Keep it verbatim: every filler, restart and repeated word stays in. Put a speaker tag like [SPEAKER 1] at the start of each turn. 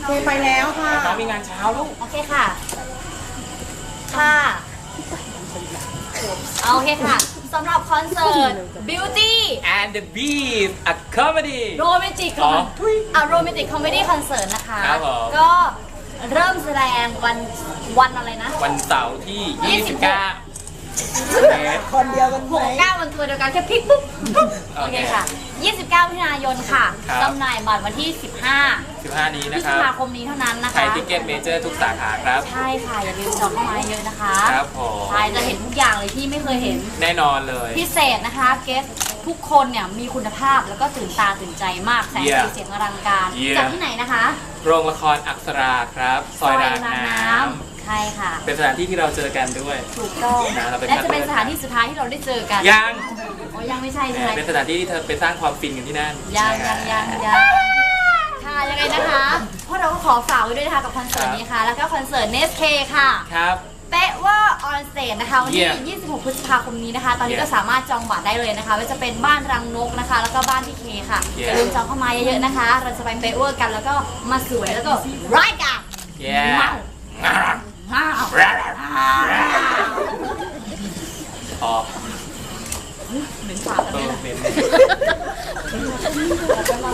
[SPEAKER 1] เคไปแล้วค่ะ
[SPEAKER 2] น้องมีงานเช้าลูก
[SPEAKER 3] โอเคค่ะ ค่ะเอาโอเคค่ะสำหรับคอนเสิร์ต Beauty
[SPEAKER 2] and the Beast a comedy
[SPEAKER 3] Romantic
[SPEAKER 2] อ๋อ
[SPEAKER 3] อ่ะ Romantic Comedy Concert นะคะ
[SPEAKER 2] ครับผม
[SPEAKER 3] ก็เริ่มแสดงวันวันอะไรนะ
[SPEAKER 2] วันเสาร์ที่ ยี่สิบเก้า เมษ
[SPEAKER 1] คนเดียวกันไห
[SPEAKER 3] ห
[SPEAKER 1] ม
[SPEAKER 3] กเก้าวันตัวเดียวกันแค่พลิกปุ๊บโอเคค่ะ ยี่สิบเก้ามิถุนายนค่ะ
[SPEAKER 2] ครับ
[SPEAKER 3] จำหน่ายบัตรวันที่ สิบห้า
[SPEAKER 2] สิบห้า นี้
[SPEAKER 3] พฤ
[SPEAKER 2] นะ
[SPEAKER 3] ษ
[SPEAKER 2] ครับ
[SPEAKER 3] ภาคมนี้เท่านั้นนะ
[SPEAKER 2] ไท
[SPEAKER 3] คะ
[SPEAKER 2] ยทิเก็ตเมเจอร์ทุกสาขาครับ
[SPEAKER 3] ใช่ค่ะ อย่าลืมจองเข้ามาเยอะนะคะ
[SPEAKER 2] ครับผม
[SPEAKER 3] ใช่จะเห็นทุกอย่างเลยที่ไม่เคยเห็น
[SPEAKER 2] แน่นอนเลย
[SPEAKER 3] พิเศษนะคะเกสทุกคนเนี่ยมีคุณภาพแล้วก็ตื่นตาตื่นใจมากแสงสี
[SPEAKER 2] Yeah
[SPEAKER 3] เสียงอลังการ
[SPEAKER 2] Yeah
[SPEAKER 3] จากที่ไหนนะคะ
[SPEAKER 2] โรงละครอักษราครับ ซอยรางน้ำ
[SPEAKER 3] ใช่ค่ะ
[SPEAKER 2] เป็นสถานที่ที่เราเจอกันด้วย
[SPEAKER 3] ถูกต้อง
[SPEAKER 2] นะเราไป
[SPEAKER 3] และจะเป็นสถานที่สุดท้ายที่เราได้เจอกัน
[SPEAKER 2] ยัง
[SPEAKER 3] โอ้ยังไม่ใช่ใช่ไหม
[SPEAKER 2] เป็นสถานที่ที่เธอไปสร้างความฟินกันที่นั่น
[SPEAKER 3] ยังยังยังยังค่ะยังไงนะคะพวกเราก็ขอฝากไว้ด้วยนะคะกับคอนเสิร์ตนี้ค่ะ แล้วก็คอนเสิร์ตเนสเคค่ะ
[SPEAKER 2] ครับ
[SPEAKER 3] เป๊ะว่าออนสเตจนะคะวันที่
[SPEAKER 2] Yeah
[SPEAKER 3] ยี่สิบหก พฤษภาคมนี้นะคะ ตอนนี้
[SPEAKER 2] Yeah
[SPEAKER 3] ก็สามารถจองบัตรได้เลยนะคะว่าจะเป็นบ้านรังนกนะคะ แล้วก็บ้านพี่เคค่ะ
[SPEAKER 2] Yeah
[SPEAKER 3] อย่าลืมจองเข้ามาเยอะๆนะคะ เราจะไปเป๊ะเวอร์กันแล้วก็มาสวยแล้วก็ร้ายกัน
[SPEAKER 2] yeah
[SPEAKER 3] ว้าว
[SPEAKER 2] อ๋อ
[SPEAKER 3] เหม็นปากกัน
[SPEAKER 2] เอ
[SPEAKER 3] เลย
[SPEAKER 2] อ
[SPEAKER 3] นะ
[SPEAKER 2] เป็น